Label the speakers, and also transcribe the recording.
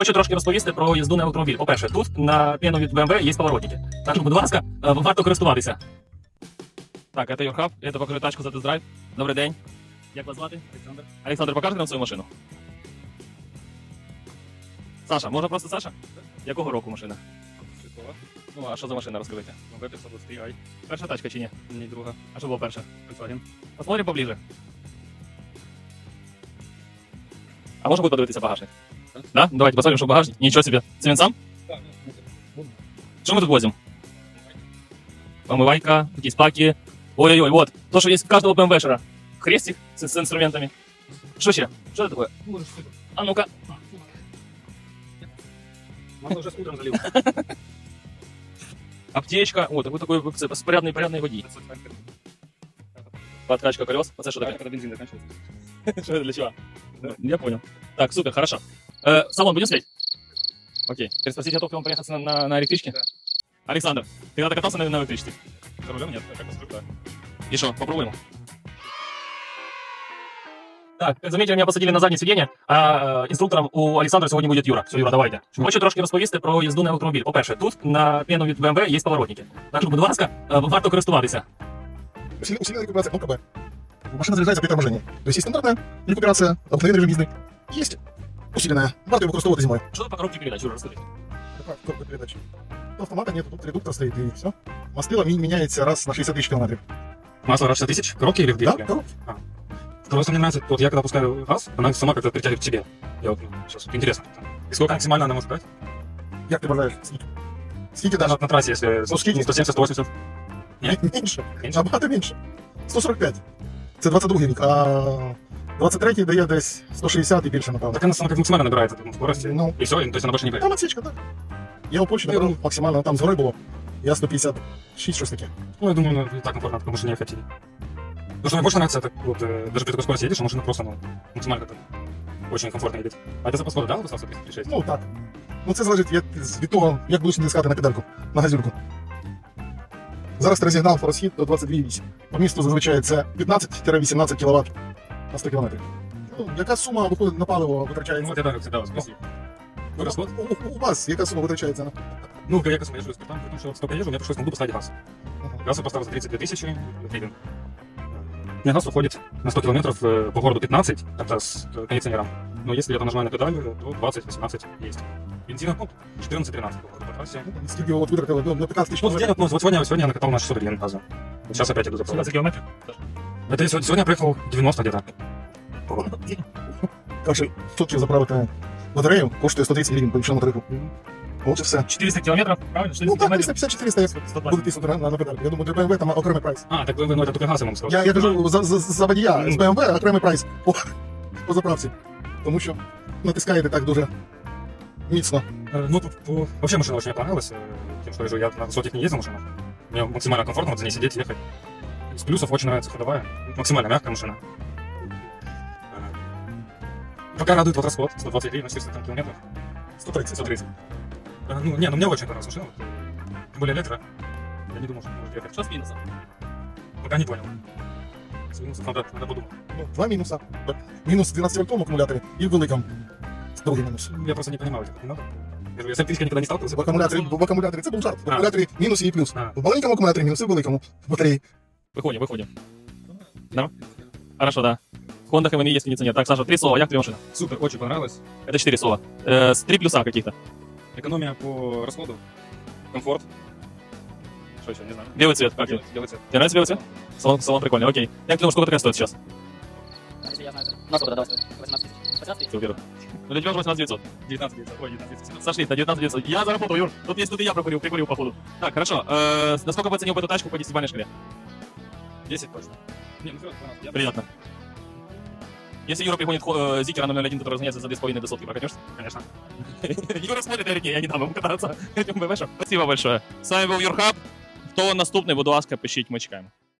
Speaker 1: Хочу трошки розповісти про їзду на електромобіль. По-перше, тут на п'яну від BMW є поворотники. Так що, будь ласка, варто користуватися. Так, це Юрхаб, я покажу тачку за тест-драйв. Добрий день. Як вас звати? Олександр. Олександр, покажете нам свою машину? Саша, можна просто Саша? Якого року машина? Ну, а що за машина, розкажите?
Speaker 2: B523i.
Speaker 1: Перша тачка чи ні?
Speaker 2: Ні, друга.
Speaker 1: А що було перше?
Speaker 2: Volkswagen.
Speaker 1: Посмотрим поближе. А можно будет подивитися багажник? Да? Давайте посмотрим, что багажник. Ничего себе. Це він сам? Что мы тут возим? Помывайка, какие паки. Ой-ой-ой, вот. То, что есть у каждого БМВшера. Хрестик с инструментами. Что еще? Что это такое? А ну-ка.
Speaker 2: Масло уже с утром залил.
Speaker 1: Аптечка. О, такой порядный водій. Подкачка колес. Вот это что такое?
Speaker 2: Когда бензин заканчивается.
Speaker 1: Что это для чего? Я понял. Так, супер, хорошо. Салон будем снять? Окей. Теперь спросить, готов ли он проехаться на электричке?
Speaker 2: Да.
Speaker 1: Александр, ты когда-то катался на электричке?
Speaker 2: За рулем нет, как инструктор.
Speaker 1: И что, попробуем? Так, как заметили, меня посадили на заднее сиденье, а інструктором у Олександра сьогодні буде Юра. Все, Юра, давайте. Хочу трошки розповісти про їзду на електромобіль. По-перше, тут на п'яну від BMW є поворотники. Так що, будь ласка, варто користуватися.
Speaker 3: Усиленная рекуперация, кнопка Б. Машина заряжается при торможении. То есть есть стандартная рекуперация, обыкновенный режим езды. Есть усиленная. Варто его використовувати зимой.
Speaker 1: Що тут по коробці передач, Юра, розкажи.
Speaker 3: Какая коробка передач? Тут автомата нет, тут редуктор стоит и все. Мастило меняется раз на 60 тысяч километров.
Speaker 2: Масло раз 60 тысяч? Коробки или в
Speaker 3: Да,
Speaker 2: двигателе?
Speaker 3: коробки.
Speaker 2: Второе, что мне нравится, вот я когда пускаю газ, она сама как-то притягивает к себе. Я вот, сейчас, интересно. И сколько максимально она может брать?
Speaker 3: Як ти вважаєш? Скільки даже?
Speaker 2: На трассе, если
Speaker 3: Ну, скільки?
Speaker 2: 170-180.
Speaker 3: Менше.
Speaker 2: Менше?
Speaker 3: Набагато менше. 145. Це 22 рік, а 23-й дає десь 160 і більше, напевно.
Speaker 2: Так она сама как максимально набирает эту скорость.
Speaker 3: Ну,
Speaker 2: И все, то есть она больше не бьет.
Speaker 3: там отсечка, так. Я у Польщі набрав максимально, там згори було. Я 156, щось таке.
Speaker 2: Ну, я думаю, ну, и так комфортно, потому что не хотели. Потому что мне больше нравится, это вот, даже при такой скорости едешь, а машина просто, ну, максимально как-то очень комфортно едет. А это запас хода, да, высота 136?
Speaker 3: Ну, так. Ну, це залежить від того, як будеш натискати на педальку, на газюрку. Зараз ти розігнав розхід до 22,8. По місту зазвичай це 15-18 кВт на 100 км. Ну, яка сума виходить на паливо
Speaker 2: Ну,
Speaker 3: витрачається?
Speaker 2: вот я так всегда вас спросил. Ну, расход?
Speaker 3: У вас яка сума витрачається на...
Speaker 2: Ну, я как езжу с при том, что столько езжу, мне пришлось на поставить газ. Газ я поставил за 32 тысячи гривен. У меня газ уходит на 100 километров по городу 15, это с кондиционером. Но если я нажимаю на педаль, то 20-18 есть. Бензина, ну, 14-13 по трассе.
Speaker 3: Скільки от витратили? Ну, 15 тисяч
Speaker 2: Ну, в день, ну, вот сегодня я накатал на 600 гривен газа. Вот сейчас опять иду
Speaker 1: 17
Speaker 2: заправлять.
Speaker 1: кілометрів?
Speaker 2: Это сегодня я проехал 90 где-то. По городу.
Speaker 3: Так що, щоб заправити батарею, коштує 130 гривень по іншому тарифу. От і все.
Speaker 1: 400 кілометрів, правильно? 400
Speaker 3: Ну так,
Speaker 1: кілометрів.
Speaker 3: 350-400 як
Speaker 1: 120.
Speaker 3: буде тиснути на педальку. Я думаю, для BMW там окремий прайс.
Speaker 2: А, так вы, ну, это только газ я вам сказал.
Speaker 3: Я кажу за водія з BMW окремий прайс по заправці. Тому що натискаєте так дуже міцно.
Speaker 2: Ну, вообще машина очень мне понравилась. Тем, что я на высоких не ездил машинах. Мне максимально комфортно вот за ней сидеть, ехать. Из плюсов очень нравится ходовая. Максимально мягкая машина. Пока радует вот расход. 120 гривен на 400 километров.
Speaker 3: 130.
Speaker 2: 130. Ну, не, ну мне очень понравилась машина. Тем более электро. Я не думал, что может ехать.
Speaker 1: Що з мінусом?
Speaker 2: Пока не понял. С минусов надо подумать.
Speaker 3: Ну, два мінуса. Мінус в 12-вольтовому акумуляторі і в великому. Другий мінус.
Speaker 2: Я просто не понимаю этих минутов. Я с электричкой никогда не сталкивался.
Speaker 3: В акумуляторі це був жарт. В
Speaker 2: А.
Speaker 3: акумуляторі мінус і плюс.
Speaker 2: А.
Speaker 3: В маленькому акумуляторі мінус і в великому. В батареї.
Speaker 1: Выходим. Да? Хорошо, да. В Хондах МНИ есть кондиционер. Так, Саша, 3 слова. Як тебе машина?
Speaker 2: Супер, очень понравилось.
Speaker 1: Это 4 слова. С 3 плюса каких-то.
Speaker 2: Экономия по расходу. Комфорт. Что еще, не знаю.
Speaker 1: Белый цвет, как тебе?
Speaker 2: Белый цвет.
Speaker 1: Тебе нравится белый цвет? Салон прикольный, окей. Як ты думаешь, сколько такая стоит сейчас?
Speaker 4: Если я знаю, на сколько давай 18 тысяч. 18 тысяч?
Speaker 1: Супер. Ну, для тебя уже 18 900.
Speaker 2: 19 900. Ой, 19 900.
Speaker 1: Сошли, до 19 900. Я заработал, Юр. Тут и я прикурил походу. Так, хорошо. Насколько бы оценил бы эту тачку по 10-бальной шкале?
Speaker 2: 10 точно. Не, ну всё, 12. Я
Speaker 1: Приятно. Если Юра пригонит Зикера на 0.1, который разгоняется за 2,5 до сотки, прокатишься?
Speaker 2: конечно.
Speaker 1: Юра смотрит, я такие, я не дам ему кататься этим БМВшем. Спасибо большое. С вами был Юрхаб. Хто наступний, будь ласка, пишіть, ми чекаємо.